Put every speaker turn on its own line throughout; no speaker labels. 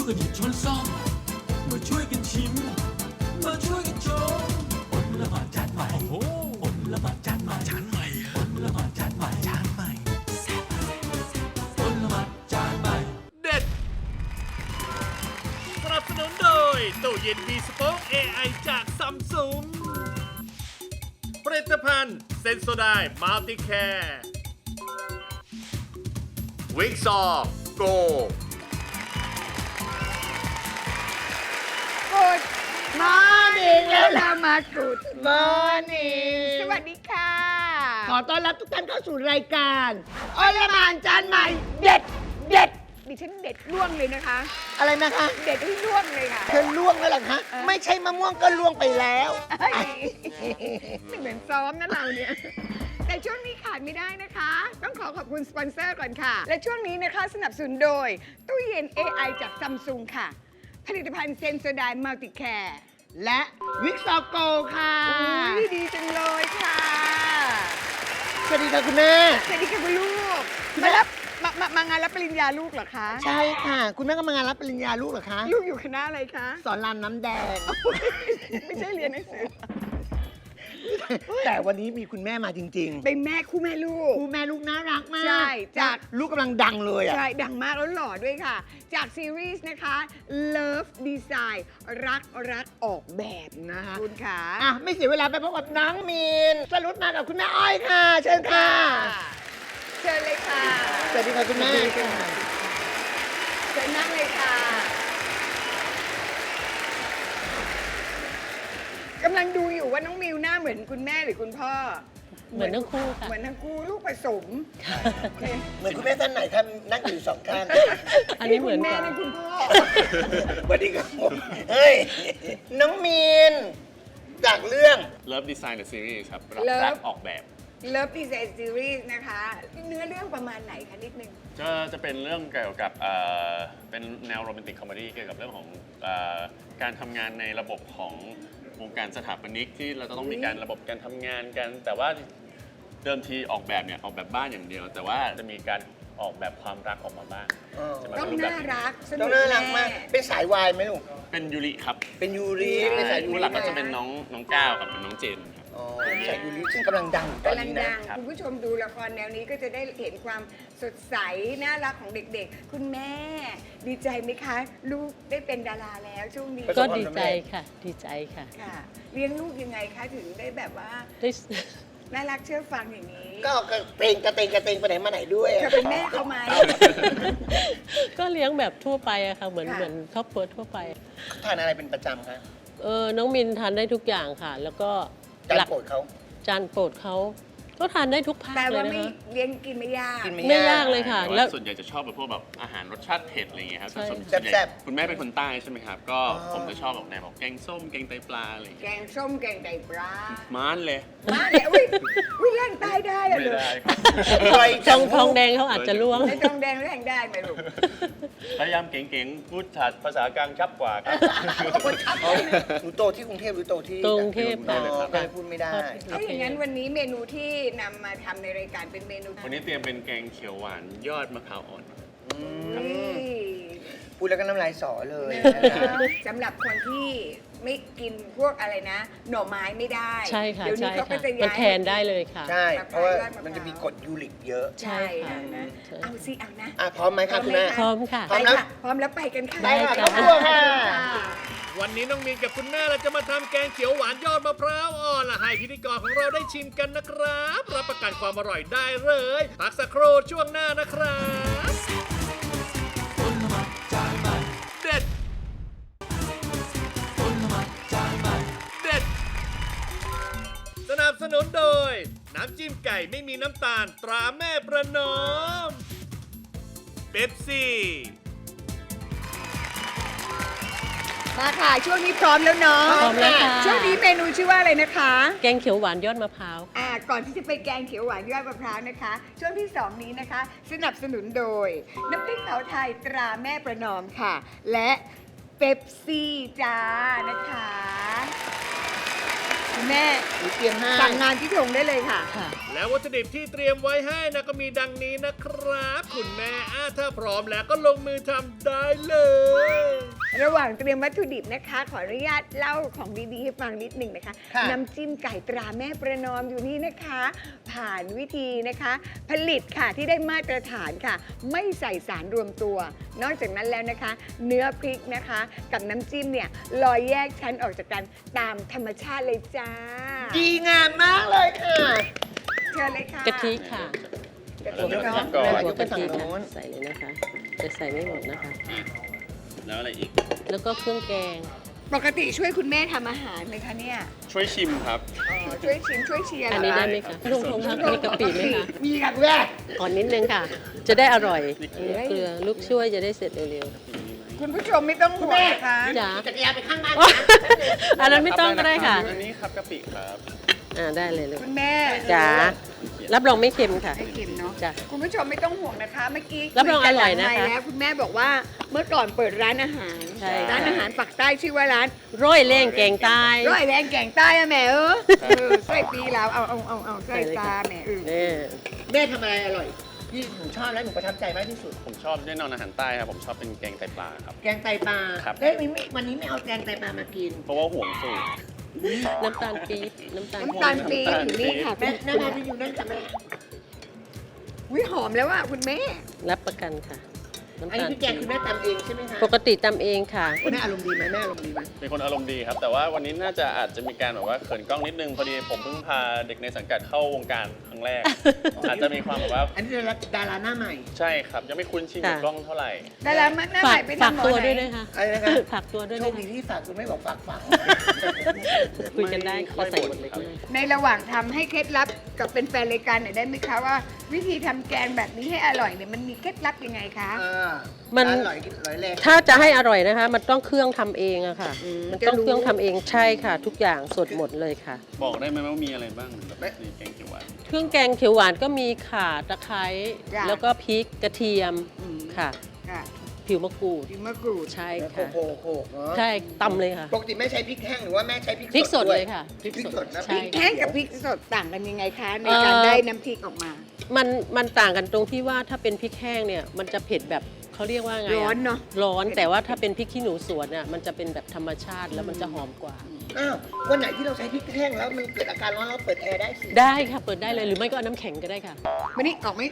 วยกันหยิบช้อนซ่อมมาช่วยกันชิมมาช่วยกันชมอดละหมาดจานใหม่โอ้อดละหมาดจานใหม่จานใหม่อดละหมาดจานใหม่จานใหม่อดละหมาดจานใหม่
เด็ดสนับสนุนโดยตู้เย็นมีสป็อค AI จากซัมซุงผลิตภัณฑ์เซนโซไดมัลติแคร์วิกซอโก
กูดมอร์นิ่งแล้วเรามากูดมอร์นิ่งสวัสดีค่ะ ขอต้อนรับทุกท่านเข้าสู่รายการอลหม่านจานใหม่เด็ดเด็ดดิฉันเด็ดล่วงเลยนะคะ
อะไรนะคะ
เด็ดให้ล่วงเลยค่ะ
เธอล่วงแล้วเหรอคะ ไม่ใช่มะม่วงก็ล่วงไปแล้ว
เฮ้ยไม่เหมือนซ้อมนะเราเนี่ย แต่ช่วงนี้ขาดไม่ได้นะคะ ต้องขอบคุณสปอนเซอร์ก่อนค่ะ และช่วงนี้นะคะสนับสนุนโดย ตู้เย็น AI จากซัมซุงค่ะ ผลิตภัณฑ์เซนโซไดมัลติแคร์
และวิกซอโกค่ะ
อุ้ยดีจังเลยค่ะ
สวัสดีค่ะคุณแม่
สวัสดีค่ะคุณลูก
คุณแม่
มางานรับปริญญาลูกเหรอคะ
ใช่ค่ะ คุณแม่ก็มางานรับปริญญาลูกเหรอคะ
ลูกอยู่คณะอะไรคะ
สอนรามน้ำแดง
ไม่ใช่เรียนหนังสือ
แต่วันนี้มีคุณแม่มาจริง
เป็นแม่คู่แม่ลู
ๆ
ก
คู่แม่ลูกน่ารักมาก
ใช่จาก
ลูกกำลังดังเลยอ่ะ
ใช่ ดังมากแล้วหล่อด้วยค่ะ จากซีรีส์นะคะ Love Design รักออกแบบนะคะคุณขา
อ่ะ ไม่เสียเวลาไปพบกับน้องมีนสรุปมากับคุณแม่อ้อยค่ะ เชิญค่ะ
เชิญเลยค่ะ
สวัสดีค่ะคุณแม่
เชิญนั่งเลยค่ะกำลังดูอยู่ว่าน้องมิวหน้าเหมือนคุณแม่หรือคุณพ่อ
เหมือนทั้งคู่ค่ะ
เหมือนทั้งคู่ลูกผสม
เหมือนคุณแม่ท่านไหนท่านนั่งอยู่สองข้าง
อันนี้เหมือน
คุณแม่
กัน
นั่นคุณพ่อ
สวัสดีครับผมเฮ้ย น้องมีน จากเรื่อง
Love Design the Series ครับ
Love
รักออกแบบ
Love Design Series นะคะ เนื้อเรื่องประมาณไหนคะนิดนึง
จะเป็นเรื่องเกี่ยวกับเป็นแนวโรแมนติกคอมเมดี้เกี่ยวกับเรื่องของการทำงานในระบบของวงการสถาปนิกที่เราจะต้องมีการระบบการทำงานกัน แต่ว่าเดิมทีออกแบบเนี่ยออกแบบบ้านอย่างเดียว แต่ว่าจะมีการออกแบบความรักออกมาบ้างจะมา
ต้อง
เป็นรูปแบบ
น่ารักสนุ
ต้อก งน่ารักมาก
แน่
เป็นสายวายไหมลูก
เป็นยูริครับ
เป็นยูริเป็นสายยู
ผู้
ริ
หลักก็จะเป็นน้องก้าวกับน้องเจนครับ
อ๋อสายยูริซึ่งกำลังดังอยู่ตอน
กำลัง
นี้นะ
ดังคุณผู้ชมดูละครแนวนี้ก็จะได้เห็นความสดใส น่ารักของเด็กๆ คุณแม่ ดีใจไหมคะ ลูกได้เป็นดาราแล้วช่วงนี้
ก็ดีใจค่ะ ดีใจค่ะ
ค่ะ เลี้ยงลูกยังไงคะถึงได้แบบว่า
ได้
น่ารักเชื่อฟังอย่างนี้
ก็กระเตงไปไหนมาไหนด้วย
เธอเป็นแม่เขาไหม
ก็เลี้ยงแบบทั่วไปอะค่ะ เหมือน
ค่ะ
เหมือนครอบครัวทั่วไป
ทานอะไรเป็นประจำคะ
น้องมินทานได้ทุกอย่างค่ะ แล้วก็
จานโปรดเขา
จานโปรดเขาก็ทานได้ทุกภาค
แต่
เล
ว่าย
นะ
ไม่
คะ
เลี้ยงกินไม่ยาก
กิน
ไม่ยากเลยค่ะ
แต่
แล้ว
ว่าส่วนใหญ่จะชอบแบบพวกแบบอาหารรสชาติเผ็ดอะไรอย่างเงี้ยครับ
ใช่
ส่วนใหญ่
แซ่บ
คุณแม่เป็นคนใต้ใช่ไหมครับ ก็
อ๋อ
ผมจะชอบแบบแนวแบบแกงส้มแกงไตปลาอะไรอย่าง
แก
เงี้ย
งส้มแกงไตปลา
ม้านเลย
มาเลยอุ้ยอุ้ยเล่นใต้ได้อะ
ไม่
เลย
ได้ครับ
ปล่อย
ทองทองแดงเขาอาจจะล่วง
ในทองแดงแรงได้ไหมลูก
พยายามเก่งๆ พูดภาษากลางชับกว่าครับ
อ๋อหนูโตที่กรุงเทพหรือโตที่
กรุงเทพ
อ๋อ
ค่ะ
ก็เลยพูดไม่ได้
ถ้าอย่างนั้นวันนี้เมนูที่นำมาทำในรายการเป็นเมนู
วันนี้เตรียมเป็นแกงเขียวหวานยอดมะพร้าวอ่อน
พูดแล้วก็น้ำลายสอเลย
สำหรับคนที่ไม่กินพวกอะไรนะ หน่อไม้ไม่ได้
ใช่ค่ะ
เดี๋ยวนี้
ใช่
เขาก็
ค่ะ
จะ
มัน
ย้าย
แทนได้เลยค่ะ
ใช่ เพราะว่า
ะพร้าว
มันจะมีกรดยูริกเยอะ
ใช่ค่ะนะ
ใช่
เอาสิเอานะ
อ่ะพร้อมไหมคะคุณแม่
พร้อมค่ะ
พร้
ไป
อมนะ
ค่ะพร้อมแล้วไปกันค่ะ
ได้ค่ะ
ได้
ครอบครัวค่ะ
วันนี้น้องมีนกับคุณแม่เราจะมาทำแกงเขียวหวานยอดมะพร้าวอ่อนละให้พิธีกรของเราได้ชิมกันนะครับ รับประกันความอร่อยได้เลยพักสักครู่ช่วงหน้านะครับเด็ดเด็ดสนับสนุนโดย น้ำจิ้มไก่ไม่มีน้ำตาลตราแม่ประนอมเป๊ปซี่
มาค่ะ ช่วงนี้พร้อมแล้วเนาะ
พร้อมแล้วค่ะ
ช่วงนี้เมนูชื่อว่าอะไรนะคะ
แกงเขียวหวานยอดมะพร้าว
ก่อนที่จะไปแกงเขียวหวานยอดมะพร้าวนะคะ ช่วงที่ 2 นี้นะคะ สนับสนุนโดย น้ำพริกเผาไทยตราแม่ประนอมค่ะ และเป๊ปซี่จ้านะคะคุณแม่
หนูเตรียมให้
สั่งงานที่ทงได้เลยค่ะ
ค่ะ
แล้ววัตถุดิบที่เตรียมไว้ให้นะก็มีดังนี้นะครับ คุณแม่ถ้าพร้อมแล้วก็ลงมือทำได้เลย
ระหว่างเตรียมวัตถุดิบนะคะ ขออนุญาตเล่าของดีๆให้ฟังนิดหนึ่งนะคะ
ค่ะ
น้ำจิ้มไก่ตราแม่ประนอมอยู่นี่นะคะ ผ่านวิธีนะคะ ผลิตค่ะที่ได้มาตรฐานค่ะ ไม่ใส่สารรวมตัว นอกจากนั้นแล้วนะคะ เนื้อพริกนะคะ กับน้ำจิ้มเนี่ยลอยแยกชั้นออกจากกันตามธรรมชาติเลยจ้า
ดีงามมากเลยค่ะ
เชิญเลยค่ะ
กะทิค่ะ
กะทิเนาะ
ก่อน
หัวกะทิ
ยกไปฝั่งโน้
ค่ะ
น
ใส่เลยนะคะจะใส่ไม่หมดนะคะ
แล้วอะไรอีก
แล้วก็เครื่องแกง
ปกติช่วยคุณแม่ทำอาหารไหมคะเนี่ย
ช่วยชิมครับ
ช่วยชิมช่วยเชียร์
อันนี้
เหร
ได้
คะ
ไหมคะลุงพงษ์คะมีกะปิไหมคะ
มีค่ะคุณแม่
ก่อนนิดนึงค่ะ จะได้อร่อยเกลือลูกช่วยจะได้เสร็จเร็ว
คุณผู้ชมไม่ต้องห่วงนะคะ
ๆจ๋า
จักรยานไปข้างบ้าน
อันนั้นไม่ต้องก็ได้ค่ะ
อันนี้ครับกะปิครับ
ได้เลยลูก
คุณแม่
จ๋ารับรองไม่เค็มค่ะ
ให้เค็มเนาะ
จ้ะ
คุณผู้ชมไม่ต้องห่วงนะคะ เมื่อกี้
รับรองอร่อยนะคะ
คุกัหลังไมค์แล้วคุณแม่บอกว่าเมื่อก่อนเปิดร้านอาหาร
ใช่ค่ะ
ร้านอาหารปักใต้ชื่อว่าร้าน
ร้อยเล่งแกงใต้
ร้อยแรงแกงใต้อะแม่ใส่ปีแล้วเอาใส่ตาแม่
นี่
แม่ทำอะไรอร่อยที่หนูชอบและหนูประทับใจมากที่สุด
ผมชอบแน่นอนอาหารใต้ครับ ผมชอบเป็นแกงไตปลาครับ
แกงไตปลา
ครับ
เฮ้ยวันนี้ไม่เอาแกงไตปลามากิน
เพราะว่าห่วงสูตร
น้ำตาลปี๊บน้ำตาล
น้ำตาลปี๊บอยู่นี่ค่ะ
แม่แม่ที่อยู่นั่นจำไม่ได้
วิหอมแล้วอะคุณแม่
รับประกันค่ะ น้ำ
อันนี้
ตาล
พี่แกงคุณแม่ตำเองใช่ไหมคะ
ปกติตำเองค่ะ
แม่อารมณ์ดีไหมแม่อารมณ์ดีไหม
เป็นคนอารมณ์ดีครับ แต่ว่าวันนี้น่าจะอาจจะมีการแบบว่าเขินกล้องนิดนึง พอดีผมเพิ่งพาเด็กในสังกัดเข้าวงการครั้งแรก อาจจะมีความแบบว่า
อันนี้ดาราหน้าใหม่
ใช่ครับ ยังไม่คุ้นชินกับ
ค่ะ
กล้องเท่าไหร่
ดารามันหน้าให
ฝา
ม่
ก
ไป
ฝาก
ทำหมอ
ตัว
ไหน
ด้วยนะคะ
อะไรนะคะ
ฝากตัวด้วย
โช
นะ
คดี
คะ
ที่ฝากคุณไม่บอกฝากฝัง
คุยกันได้
ไม่ค่อย
ก็ใส่
บ่น
หมดเลย
ครับ
ก็ได้
ในระหว่างทำให้เคล็ดลับกับเป็นแฟนรายการหน่อยได้ไหมคะว่า วิธีทำแกงแบบนี้ให้อร่อยเนี่ยมันมีเคล็ดลับยังไงคะ
มัน
ร้าอร่อยแรง
ถ้าจะให้อร่อยนะคะ มันต้องเครื่องทำเองอะค่ะ
อืม
มันต้อง
จะรู้
เครื่องทำเองใช่ค่ะ ทุกอย่างสดหมดเลยค่ะ
บอกได้ไหมว่ามีอะไรบ้างแบบในแกงเขียวหวาน
เครื่องแกงเขียวหวานก็มีข่าตะไคร้
จ้ะ
แล้วก็พริกกระเทียม
อืม
ค่ะ
ค่ะ
ผิวมะกรูด
พริกมะกรูด
ใช่
โข
ค่ะ
กโขกเนาะ
ใช่ตำเลยค่ะ
ปกติแม่ใช้พริกแห้งหรือว่าแม่ใช้พริก
พริกสด
ว
เลยค่ะ
พริกสดนะ
ใช่
พริกแห้งกับพริกสดต่างกันยังไงคะ ใน
เอ่อ
การได้น้ำพริกออกมา
มันต่างกันตรงที่ว่าถ้าเป็นพริกแห้งเนี่ยมันจะเผ็ดแบบเขาเรียกว่าไงะ
ร้อนเนอะ
ร้อนแต่ว่าถ้าเป็นพริกขี้หนูสวนน่ะมันจะเป็นแบบธรรมชาติแล้วมันจะหอมกว่า
อ้าววันไหนที่เราใช้พริกแห้งแล้วมันเกิดอาการร้อนเราเปิดแอร์ได้สิ
ได้ค่ะเปิดได้เลยหรือไม่ก็เอาน้ำแข็งก็ได้ค่ะ
มานี่ออกไหม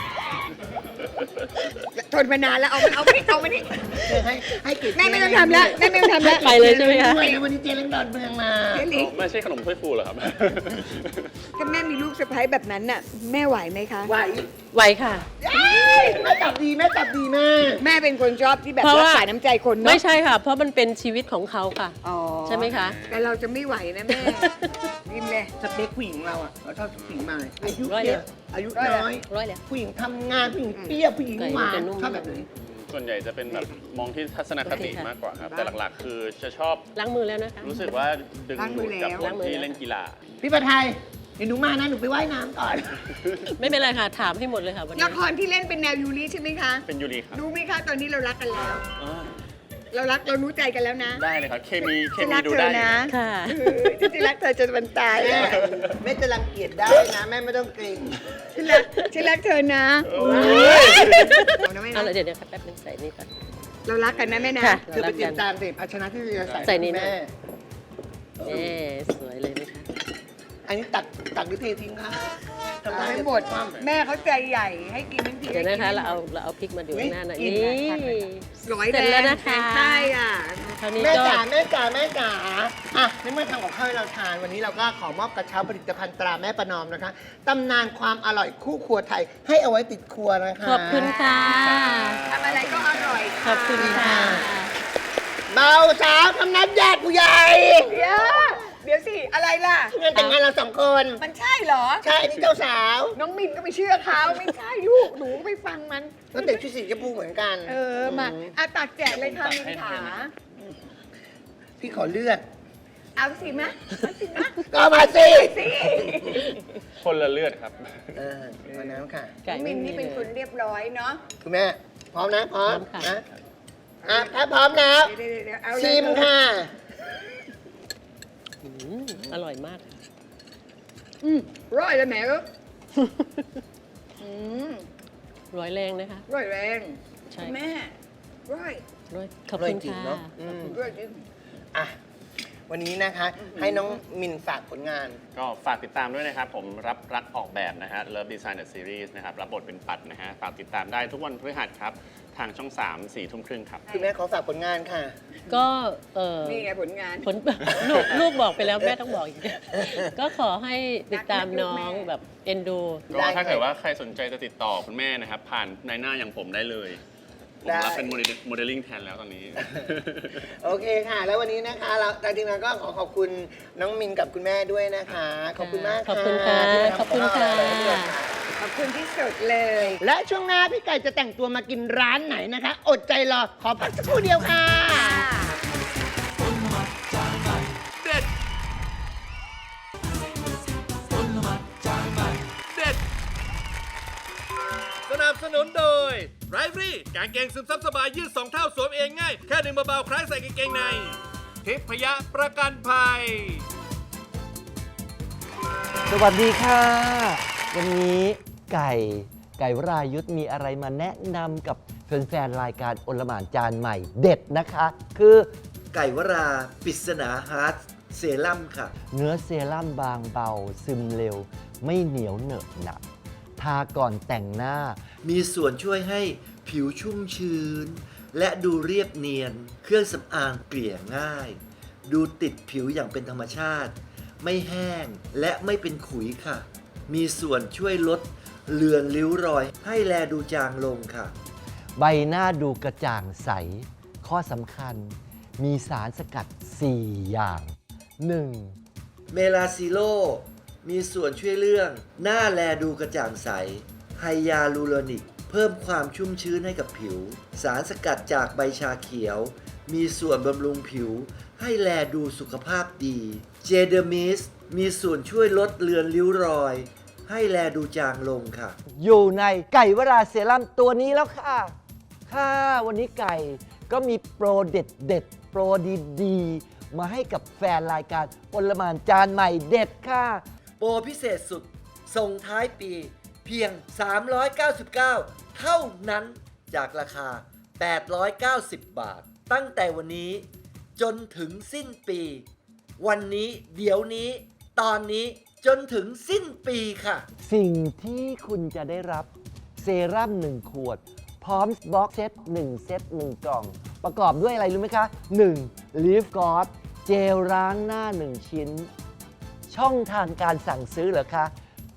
ทนมานานแล้วเอามานี่
ให้เกียรติ
แม่ไม่ต้องทำแล้วแม่ไม่ต้องทำแล้ว
ไปเลยใช่ไหมคะ
ด้วยนะวันนี้เจริญดอนเมืองมา
เจ๊ลิง
ไม่ใช่ขนมถ้วยฟูเหรอครับ
ถ้าแม่มีลูกสะใภ้แบบนั้นน่ะ แม่ไหวไหมคะ
ไหว
ไหวค่ะ
แม่จับดีแม่จับดีแม่
แม่เป็นคนชอบที่แบบ
เพราะ
รั
ว่า
กษาน้ำใจคนเนาะ
ไม่ใช่ค่ะ เพราะมันเป็นชีวิตของเขาค่ะ
อ๋อ
ใช่ไหมคะ
แต่เราจะไม่ไหวนะแม่ริมเลย
สเปคผู้หญิงเราอ่ะเราชอบผู้หญิงมาอายุ
ร้อย
เย
เดียว
อะอายุ
ร้อยเดียว
น้อย
ร้อยแล้ว
ผู้หญิงทำงานผู้หญิงเปรี้ยวผู้หญิงหวาน
ไก่มันจะนุ่ม
ชอบแบบไหน
ส่วนใหญ่จะเป็นแบบมองที่ทัศนคติ
โอเคค่ะ
มากกว่าครับ แต่หลักๆ คือจะชอบ
ล้างมือแล้วนะคะ
รู้สึกว่าดึงดูดกับค
ล้าน งมือ
ที่
แล้ว
เล่นกีฬา
พี่ประไทยเดี๋ยวหนูมานะหนูไปว่ายน้ำก่อน
ไม่เป็นไรค่ะ ถามให้หมดเลยค่ะวันนี้
ละครที่เล่นเป็นแนวยูริใช่ไหมคะ
เป็นยูริครับ
รู้ไหมคะตอนนี้เรารักกันแล้ว
อ่า
เรารู้ใจกันแล้วนะ
ได้เลยครับ เคมี
ฉันรัก
ดู
เธ
ได้
อ
อยู่
นะ
ค่ะ
ฉันจะรักเธอจนวันตาย
แม่
อะ
แม่จะรังเกียจได้นะแม่ไม่ต้องเกรง
ฉันรักเธอนะ
โอ้ย
เอานะแม่
เอา
นะ
ละเดี๋ยวแป๊บนึงใส่นี่ก่อน
เรารักกันนะแม่นะ
ค่ะ
เธอไปเตรียมจานสิภาชนะที่จะ
ใส่
ใส่
นี่นะ
แม่
เอ๊สวยเลยไหมคะ
อันนี้ตักหรือเททิ้งคะทำ
ไม่หมดแม่เขาใจใหญ่ให้กินทั้งที
เดี๋ยวนะคะ
ให้กิ
เราเอาพริกมาดูข้างหน้าหน่อย
กิ
นี่
ร้อย
เสร็จแล้วนะคะ
แรงใต้อ่ะ
คราวนี้
แม่
ก็
จ๋าแม่จ๋าแม่จ๋าอ่ะในเมื่อทำกับข้าวให้เราทานวันนี้เราก็ขอมอบกระเช้าผลิตภัณฑ์ตราแม่ประนอมนะคะตำนานความอร่อยคู่ครัวไทยให้เอาไว้ติดครัวนะคะ
ขอบคุณค่ะ
ทำอะไรก็อร่อย
ขอบคุณค่ะ
เบาสาวทำนัดญาติผู้ใหญ่
เดี๋ยวสิ อะไรล่ะ
งานแต่งงานเราสองคน
มันใช่เหรอ
ใช่อันนี้เจ้าสาว
น้องมินก็ไปเชื่อเขาไม่ใช่ลูกหนูไปฟังมัน
ก็แต่งชุดสีชมพูเหมือนกัน
มาตักแจกเลยค่ะมินขา
พี่ขอเลือด
เอาสิมะเอาสิมะ
ก็มาสิ
สิ
คนละเลือดครับ
มาน้ำค่ะ
ไก่
มิ
ไม่
น
มี
นี่
เล
เป็นคน
ย
เรียบร้อยเนาะ
คุณแม่ พร้อมนะ พร้อม
พร้อมค่ะ
นะอ่ะถ้าพร้อมแล้ว
เดี๋ยวเอาเลย
ชิมค่ะ
อืมอร่อยมาก
ร้อยแล้วแม่เออ
ร้อยแรงนะคะ
ร้อยแรง
ใช่
แม่ร้อย
ร้อยขอบคุณ
จริง
ค่ะ
เนาะ
ร้อยจริง
อ่ะวันนี้นะคะ ให้น้องมินฝากผลงาน
ก็ฝากติดตามด้วยนะครับ ผมรับรักออกแบบนะฮะ Love Design the Series นะครับ รับบทเป็นปัดนะฮะ ฝากติดตามได้ทุกวันพฤหัสครับ ทางช่อง 3 4 ทุ่มครึ่งครับ
คุณแม่ขอฝากผลงานค่ะ
ก็
นี่ไงผลงาน
ผล ลูกบอกไปแล้วแม่ต้องบอกอีก ก็ขอให้ติดตามน้องแบบเอ็นดู
ก็ถ้าเกิดว่าใครสนใจจะติดต่อคุณแม่นะครับ ผ่านในหน้าอย่างผมได้เลย ผมรับเป็นโมเดลลิ่งแทนแล้วตอนนี้
โอเคค่ะ แล้ววันนี้นะคะเราทางทีมงานก็ขอขอบคุณน้องมินกับคุณแม่ด้วยนะคะ ขอบคุณมาก
ขอบคุณค่ะ
ที่มาทำ
ขอบคุณค่ะ
กับเราด้วยค่ะ
ขอบคุณที่สุดเลย
และช่วงหน้าพี่ไก่จะแต่งตัวมากินร้านไหนนะคะ อดใจรอ ขอพักสักครู่เดียวค่ะ
เด็ด เด็ด สนับสนุนโดยไรฟรี่กางเกงซึมซับสบายยืด2 เท่าสวมเองง่าย แค่ดึงเบาๆคล้ายใส่กางเกงใน ทิพยประกันภัย
สวัสดีค่ะ วันนี้ไก่วรายุทธมีอะไรมาแนะนำกับแฟนๆรายการโอลหม่านจานใหม่เด็ดนะคะ คือไก่วราปริศนาฮาร์ดเซรั่มค่ะ เนื้อเซรั่มบางเบาซึมเร็ว ไม่เหนียวเหนอะหนักทาก่อนแต่งหน้า มีส่วนช่วยให้ผิวชุ่มชื้น และดูเรียบเนียน เครื่องสำอางเกลี่ยง่าย ดูติดผิวอย่างเป็นธรรมชาติ ไม่แห้งและไม่เป็นขุยค่ะ มีส่วนช่วยลดเลือนริ้วรอยให้แลดูจางลงค่ะ ใบหน้าดูกระจ่างใส ข้อสำคัญมีสารสกัด 4 อย่าง 1. เมลาซิโล มีส่วนช่วยเรื่องหน้าแลดูกระจ่างใส ไฮยาลูโรนิก เพิ่มความชุ่มชื้นให้กับผิว สารสกัดจากใบชาเขียว มีส่วนบำรุงผิว ให้แลดูสุขภาพดี เจเดอร์มิส มีส่วนช่วยลดเลือนริ้วรอย ให้แลดูจางลงค่ะ อยู่ในไก่วราเซรั่มตัวนี้แล้วค่ะ ค่ะวันนี้ไก่ก็มีโปรเด็ดโปรดีๆ มาให้กับแฟนรายการโอลหม่านจานใหม่เด็ดค่ะ โปรพิเศษสุด ส่งท้ายปีเพียง 399 เท่านั้นจากราคา 890 บาท ตั้งแต่วันนี้จนถึงสิ้นปี วันนี้เดี๋ยวนี้ตอนนี้จนถึงสิ้นปีค่ะ สิ่งที่คุณจะได้รับเซรั่ม1 ขวด พร้อมบ็อกเซต1 เซต 1 กล่อง ประกอบด้วยอะไรรู้ไหมคะ 1. Leave God เจลล้างหน้า 1 ชิ้น ช่องทางการสั่งซื้อเหรอคะ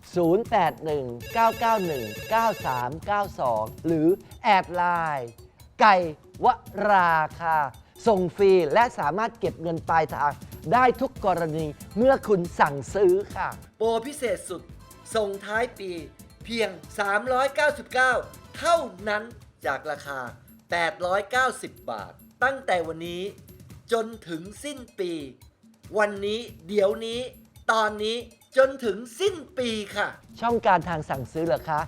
0819919392 หรือแอดไลน์ไก่วราค่ะ ส่งฟรีและสามารถเก็บเงินปลายทางได้ทุกกรณีเมื่อคุณสั่งซื้อค่ะ โปรพิเศษสุด ส่งท้ายปีเพียง 399 เท่านั้นจากราคา 890 บาท ตั้งแต่วันนี้จนถึงสิ้นปี วันนี้เดี๋ยวนี้ตอนนี้จนถึงสิ้นปีค่ะ ช่องการทางสั่งซื้อเหรอคะ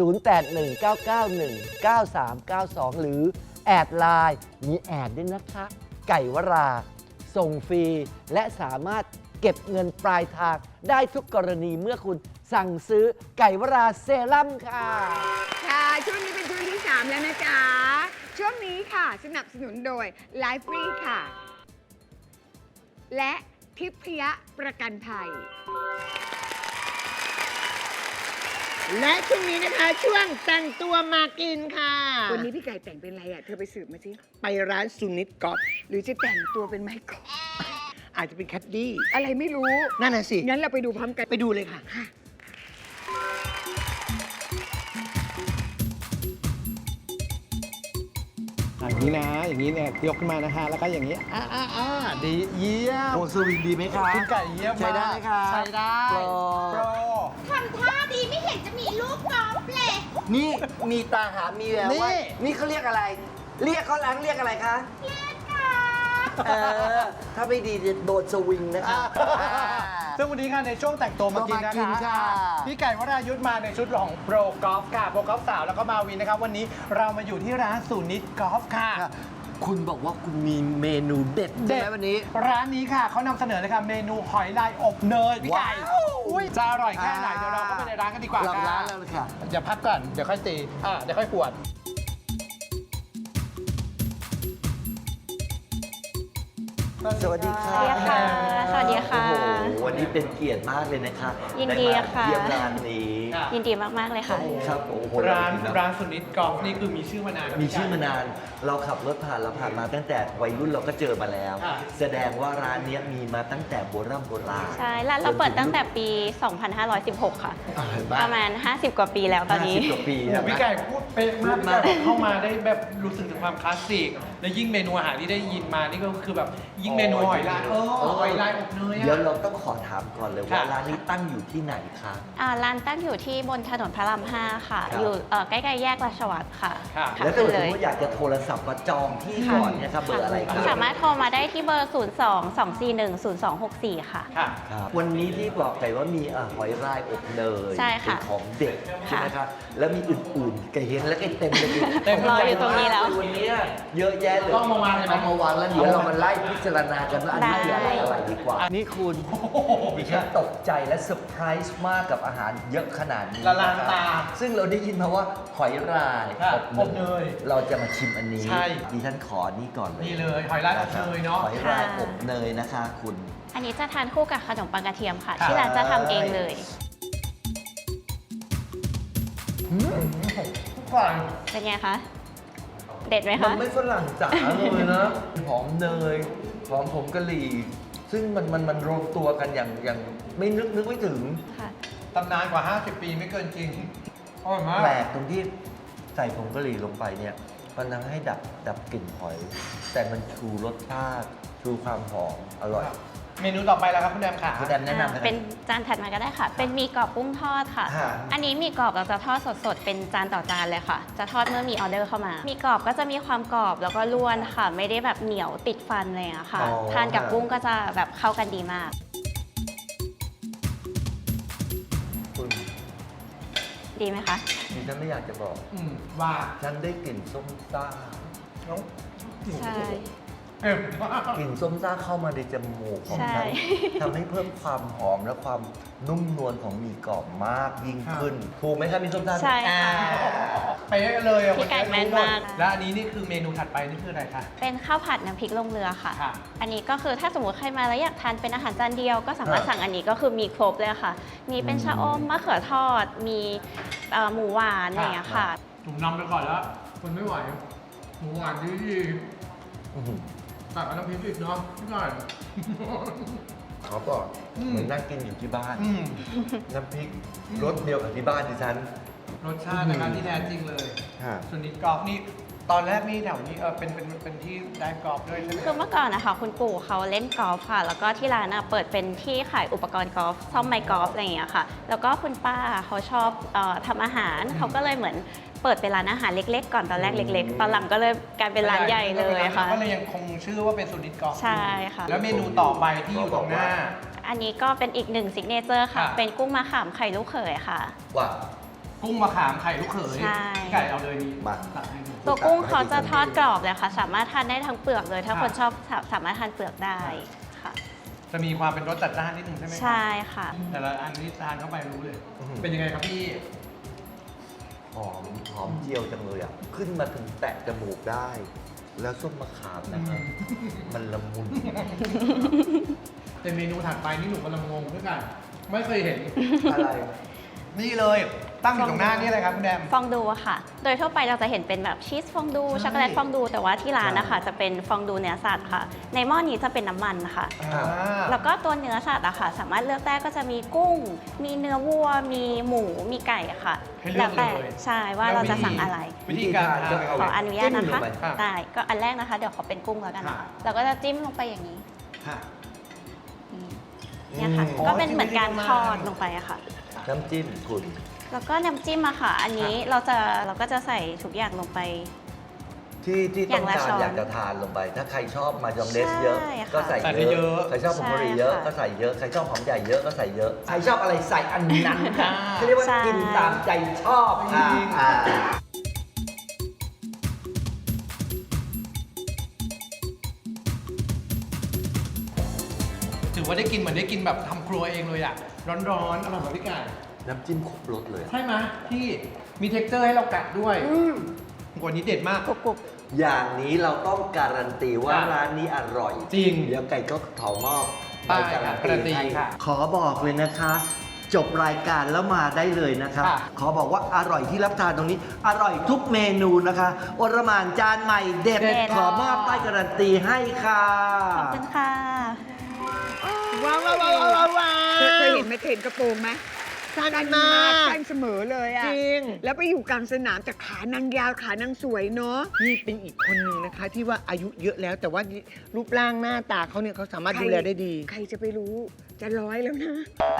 0819919392 หรือแอดไลน์มีแอดด้วยนะคะ ไก่วรา ส่งฟรีและสามารถเก็บเงินปลายทางได้ทุกกรณีเมื่อคุณสั่งซื้อไก่วราเซรั่มค่ะ
ค่ะช่วงนี้เป็นช่วงที่ 3 แล้วนะจ๊ะ ช่วงนี้ค่ะ สนับสนุนโดย Life Free ค่ะ และทิพยประกันภัย
และช่วงนี้นะคะช่วงแต่งตัวมากินค่ะ
วันนี้พี่ไก่แต่งเป็นอะไรอ่ะ เธอไปสืบมาสิ
ไปร้านซูนิตกอล์ฟ
หรือจะแต่งตัวเป็นไมเคิล
อาจจะเป็นแคดดี้
อะไรไม่รู้
นั่นน่ะสิ
งั้นเราไปดูพร้อมกัน
ไปดูเลยค่ะ
อย่างนี้นะ อย่างนี้เนี่ยยกขึ้นมานะฮะ แล้วก็อย่างนี้ ดีเยี่ยม
โอ้สวิงดีไหมคะ
คุณไก่เยี่ยมมาก
ใช้ได้ไหมคะ
ใช้ได้
โปร
โปร
ทำท่าดีไม่เห็นจะมีลูกกอล์ฟเลย
นี่มีตาหามีแววว่านี่เขาเรียกอะไร เรียกเขาล้างเรียกอะไรคะ
เล่นกอล์ฟ
ถ้าไม่ดีจะโดนสวิงนะคะ
ซึ่งวันนี้ค่ะในช่วงแต่งตัวมากินนะ
ตัวมากิน
คะ
ค่ะ
พี่ไก่วรายุทธมาในชุดของโปรกอล์ฟค่ะโปรกอล์ฟสาวแล้วก็มาวินนะครับ วันนี้เรามาอยู่ที่ร้านสูนิตกอล์ฟค่ะ
คุณบอกว่าคุณมีเมนูเด็ดใช่ไหมวันนี้
ร้านนี้ค่ะเขานำเสนอเลยค่ะเมนูหอยลายอบเนยพี่ไก่
ว้าว
อุ้ยจะอร่อยแค่ไหนเดี๋ยวเราเข้าไปในร้านกันดีกว่า
หลัง
ค่ะ
ร้านแล้วเลยค่ะ
อย่าพักก่อนเดี๋ยวค่อยตีเดี๋ยวค่อยขวด
สวัสดีค่ะ
สวัสดีค่ะสวัสดีค่ะ
โอ้โหวันนี้เป็นเกียรติมากเลยนะคะ
ยินดี
ไมา
ค่ะ
เยี่ยมร้านนี้
ยินดีมาก ๆ เลยค่ะ
ครับโอ้โห
ร้านสุนิตกอล์ฟนี่คือมีชื่อมานาน
มีชื่อมานาน เราขับรถผ่านเราผ่านมาตั้งแต่วัยรุ่นเราก็เจอมาแล้ว แสดงว่าร้านเนี้ยมีมาตั้งแต่โบราณ
ใช่ร้านเราเปิดตั้งแต่ปี 2516 ค่ะ
เห็น
ป
ปะ
ระมาณ 50 กว่าปีแล้วตอนนี้
50 กว่าปี
โอ้โห
นะ
พี่ไก่พูดเป๊ะมากพี่ไก่บอกเข้ามาได้แบบรู้สึกถึงความคลาสสิกและยิ่งเมนูอาหารที่ได้ยินมานี่ก็คือแบบยิ่งเมนูหอยลายหอยลายอบเนย
เดี๋ยว
อะ
เราต้องขอถามก่อนเลยว่า
ค่ะ
ร้านนี้ตั้งอยู่ที่ไหนคะ
ร้านตั้งอยู่ที่บนถนนพระราม 5 ค่ะ
ครับ
อยู่ใกล้ๆแยกราชวัตรค่ะ
ค่ะ
ค่ะ
แล้วถ้า
ขึ้น
สม
เลย
มติอยากจะโทรศัพท์มาจองที่ก่อนเนี่ยครับเบอร์อะไรครับ
สามารถโทรมาได้ที่เบอร์ 02-241-0264 ค่ะ
ค่ะ
ครับวันนี้ที่บอกไปว่ามีหอยลายอบเนย
ใช่ค่ะ
เป็นของเด็กใช่ไหมครับแล้วมีอื่นๆไก่เฮงและไก่เต็มเลย
เต็ม
รออยู่ตรงนี้แล้ว
วันนี้เยอะแยะเลย
ต้องมาวางเลยไหม
เอามาวางแล้วเดี๋ยวเรามาไล่พิจารณากันว่าอันนี้คืออะไรอะไรดีกว่านี่คุณดิฉันตกใจและเซอร์ไพรส์มากกับอาหารเยอะขนาดนี้
ละลานตา
ซึ่งเราได้ยินมาว่าหอยลาย
ค่ะอบเนย
เราจะมาชิมอันนี้
ใช่
ดิฉันขอนี่ก่อนเลย
นี่เลยหอยลายอบเนยเนาะ
หอยลายอบเนยนะคะคุณ
อันนี้จะทานคู่กับขนมปังกระเทียมค่ะ
ค่ะ
ที่ร้านจะทำเองเลย
ก่อน
เป็นไงคะ เด็ดไหม
มั
คะ
นไม่ฝรั่งจ๋าเลยนะ หอมเนย หอมผงกะหรี่ ซึ่งมันรวมตัวกันอย่างไม่นึกไม่ถึง
ค่ะ
ตำนานกว่า 50 ปีไม่เกินจริงอร่อยมาก
แปลกตรงที่ใส่ผงกะหรี่ลงไปเนี่ย มันทำให้ดับกลิ่นหอย แต่มันชูรสชาติ ชูความหอม อร่อย
เมนูต่อไปแล้วครับคุณแดมขา
คุณแดมแนะนำกั
เป็นจานถัดมาก็ได้ค่ะ เป็นหมีกรอบกุ้งทอดค่ะ
ค่ะ
อันนี้หมีกรอบเราจะทอดสดๆ เป็นจานต่อจานเลยค่ะ จะทอดเมื่อมีออเดอร์เข้ามาหมีกรอบก็จะมีความกรอบแล้วก็ร่วนค่ะ ไม่ได้แบบเหนียวติดฟันเลยอะค่ะ
อ๋อ
ทานกับกุ้งก็จะแบบเข้ากันดีมาก
คุณ
ดีไหมคะ
ดิฉันไม่อยากจะบอก
ว่า
ฉันได้กลิ่นส้มซ่า
น้อง
ใช่
เอ็มมาก
กลิ่นส้มซ่าเข้ามาในจมูกของ
ใช่
ฉันทำให้เพิ่มความหอมและความนุ่มนวลของหมี่กรอบมากยิ่งขึ้น ถูกไหมครับมีส้มซ่า
ใช่ค่ะ
เป๊ะเลยอ่ะ
พี่ไก่แม่นมาก
และอันนี้นี่คือเมนูถัดไปนี่คืออะไรคะ
เป็นข้าวผัดน้ำพริกลงเรือค่ะ
ค่ะ
อันนี้ก็คือถ้าสมมติใครมาแล้วอยากทานเป็นอาหารจานเดียว ก็สามารถสั่งอันนี้ก็คือมีครบเลยค่ะ มีเป็นชะอมมะเขือทอด มีหมูหวานอะไรอย่างเงี้ยค่ะ
ผมนำไปก่อนแล้วคนไม่ไหวหมูหวานดี
อื้อหือ
ตักกับน้ำพริกอีกเนาะพี่ก่อน
เขาบอก
อืม
เหมือนนั่งกินอยู่ที่บ้าน
อืม
น้ำพริกรสเดียวกับที่บ้านดิฉัน
รสชาตินะครับที่แท้จริงเลย
ฮะ
ส่วนนี้กอล์ฟนี่ตอนแรกนี่แถวนี้เป็นที่ได้กอล์ฟด้วยใช่ไหม
คือเมื่อก่อนนะคะคุณปู่เขาเล่นกอล์ฟค่ะ แล้วก็ที่ร้านเปิดเป็นที่ขายอุปกรณ์กอล์ฟซ่อมไม้กอล์ฟอะไรอย่างเงี้ยค่ะ แล้วก็คุณป้าเขาชอบทำอาหารเขาก็เลยเหมือนเปิดเป็นร้านอาหารเล็กๆ ก่อนตอนแรกเล็กๆ ตอนหลังก็เลยกลายเป็นร้านใหญ่เลยค่ะ
ก็เลยยังคงชื่อว่าเป็นสุนิตกอล์ฟ
ใช่ค่ะ
แล้วเมนูต่อไปที่อยู่ตรงหน้า
อันนี้ก็เป็นอีกหนึ่งซิกเนเจอร์ค่ะ
ค่ะ
เป็นกุ้งมะขามไข่ลูกเขยค่ะ
ว่า
กุ้งมะขามไข่ลูกเขย
ใช่
ไก่เอาเลยดี
มา
ตักให้ดู
ตัวกุ้งเขาจะทอดกรอบเลยค่ะ สามารถทานได้ทั้งเปลือกเลย ถ้า
ค่ะ
คนชอบสามารถทานเปลือกได้ค่ะ
จะมีความเป็นรสจัดจ้านนิดนึงใช่ไหมครับ
ใช่ค่ะ
แต่ละอันนี้ทานเข้าไปรู้เลย เป็นยังไงครับพี่
หอมเจียวจังเลยอ่ะ ขึ้นมาถึงแตะจมูกได้ แล้วส้มมะขามนะครับ มันละมุน
แต่เมนูถัดไปนี่หนูกำลังงงด้วยกัน ไม่เคยเห็น
อะไร
นี่เลยตั้งอยู่ตรงหน้านี่อะไรครับคุณแดม
ฟองดูอะค่ะ โดยทั่วไปเราจะเห็นเป็นแบบชีสฟองดู ช็อกโกแลตฟองดู แต่ว่าที่ร้านนะคะจะเป็นฟองดูเนื้อสัตว์ค่ะ ในหม้อนี้จะเป็นน้ำมันค่ะ แล้วก็ตัวเนื้อสัตว์อะค่ะ สามารถเลือกได้ก็จะมีกุ้ง มีเนื้อวัว มีหมู มีไก่อะค่ะ
ให้เลือก
แต่
เลย
ใช่ว่าเราจะสั่งอะไร
วิธีการทาน
ขออนุญาตนะคะ
จิ้มลงไป
ได้ ก็อันแรกนะคะ เดี๋ยวขอเป็นกุ้งแล้วกันนะ
ค่ะ
คะเราก็จะจิ้มลงไปอย่างนี้
ค่ะ
เนี่ยค่ะ
อ๋อ
ก็เป็นเหมือนการ
จิ้ม
ทอดลงไปอะค่ะ
น้ำจิ้มคุณ
แล้วก็น้ำจิ้มอะค่ะ อันนี้เราก็จะใส่ทุกอย่างลงไป
ที่
อ
ต้อย่าง
งละ
การ
ช้อน
อยากจะทานลงไป ถ้าใครชอบมายองเนสเยอะ
ใช่ค่ะ
ก็ใส่
ใส่ได้
เย
เย
อะ
อะ
ใครชอบผงกะหรี่เยอะ
ใช่ค่ะ
ก็ใส่เยอะ ใครชอบหอมใหญ่เยอะก็ใส่เยอะ ใครชอบอะไรใส่อันนั้นค่ะเขาเรียกว่า
ใช่
กินตามใจชอบค่ะ
ว่าได้กินเหมือนได้กินแบบทำครัวเองเลยอ่ะร้อนๆอร่อยมากพี่ไก่
น้ำจิ้มครบรสเลย
ใช่ไหมพี่มีเท็กเจอร์ให้เรากัดด้วยกว่านี้เด็ดมาก
อย่างนี้เราต้องการันตีว่า
ค่ะ
ร้านนี้อร่อย
จริง
เดี๋ยวไก่ก็ขอมอบ
ได้
ใบการัน
การันตี
ตีให้
ค่ะ
ขอบอกเลยนะคะ จบรายการแล้วมาได้เลยนะคะ
ค่ะ
ขอบอกว่าอร่อยที่รับทานตรงนี้ อร่อยทุกเมนูนะคะอรหม่านจานใหม่เด็ด
เด็ด
ขอมอบป้ายการันตีให้ค่ะ
ขอบคุณค่ะ
ว้าวว้าวว้าวว้าวว้า
เคยเห็นไหมเคยเห็นกระโปรงไหม
สั้น
สั้น
มาม
าก
ก
สั้นเสมอเลยอ่ะ
จริง
แล้วไปอยู่กลางสนามแต่ขานางยาวขานางสวยเนาะ
นี่เป็นอีกคนหนึ่งนะคะ ที่ว่าอายุเยอะแล้ว แต่ว่ารูปร่างหน้าตาเขาเนี่ยเขาสามารถดูแลได้ดี
ใครจะไปรู้จะร้อยแล้วนะ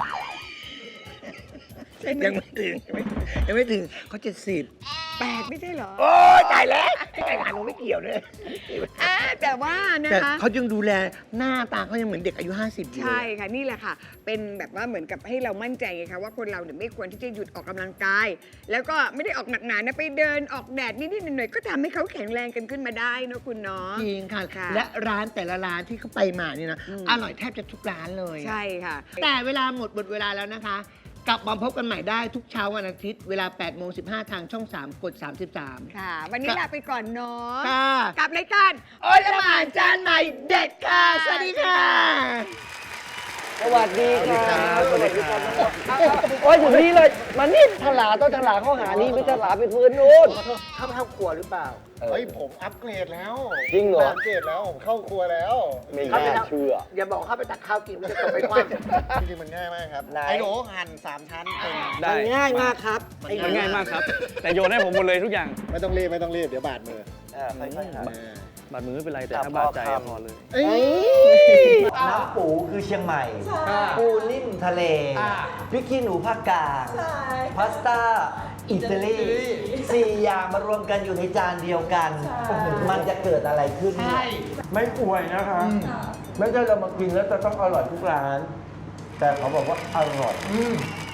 ใช่ไหม
ยังไม่ถึงยังไม่ถึงเขา70
แปลกไม่ใช่เหรอ
โอ้ยตายแล้วไก่หาหนูไม่เกี่ยวเลย
แต่ว่านะ
แต่
คะ
เขายังดูแลหน้าตาเขายังเหมือนเด็กอายุ 50อยู่
ใช่ค่ะนี่แหละค่ะ เป็นแบบว่าเหมือนกับให้เรามั่นใจไงคะว่าคนเราเนี่ยไม่ควรที่จะหยุดออกกำลังกาย แล้วก็ไม่ได้ออกหนักหนานะไปเดินออกแดดนิดๆหน่อยๆก็ทำให้เขาแข็งแรงกันขึ้นมาได้เนอะคุณเนาะ
จริงค่ะ
ค่ะ
และร้านแต่ละร้านที่เขาไปมาเนี่ยนะ
อืม
อร่อยแทบจะทุกร้านเลย
ใช่ค่ะ
แต่เวลาหมดเวลาแล้วนะคะ กลับมาพบกันใหม่ได้ทุกเช้าวันอาทิตย์ เวลา 8:15 ทางช่อง 3 กด 33
ค่ะ วันนี้ลาไปก่อนเนาะ
ค่ะ
กับรายการ
โอ้ยละหมาดจานใหม่เด็ดค่ะ สวัสดีค่ะ
สวัสดีครับสวัสดีครับโอ้ยอยู่นี่เลยมานี่ถลาต้องถลาเข้าหานี่ไม่ถลาไปพื้นนู้น
เข้าไปเข้าครัวหรือเปล่า
เฮ้ย ผมอัปเกรดแล้ว
จริงเหรอ
อัปเกรดแล้ว ผมเข้าครัวแล้ว
ไม่น่าเชื่อ
อย่าบอกเข้าไปตักข้าวกินมันจะตกไปคว้าง
จริงๆมันง่ายมากครับ
ไหน
ไอ้หนูหั่น3 ชั้นเป็น
มันง่ายมากครับ
มันง่ายมากครับ
แต่โยนให้ผมหมดเลยทุกอย่าง
ไม่ต้องรีบ ไม่ต้องรีบ เดี๋ยวบาดมือ
ค่อยๆครับ
บาดมือไม่เป็นไร แต่ถ้าบาดใจอะพอเลย
น้ำปูคือเชียงใหม่ ปูนิ่มทะเล พริกขี้หนูภาคกลางพาสต้า อิตาลี4 อย่างมารวมกันอยู่ในจานเดียวกันโอ้โหมันจะเกิดอะไรขึ้นเนี่ยไม่ป่วยนะคะ ไม่ใช่เรามากินแล้วจะต้องอร่อยทุกร้าน แต่เขาบอกว่าอร่อย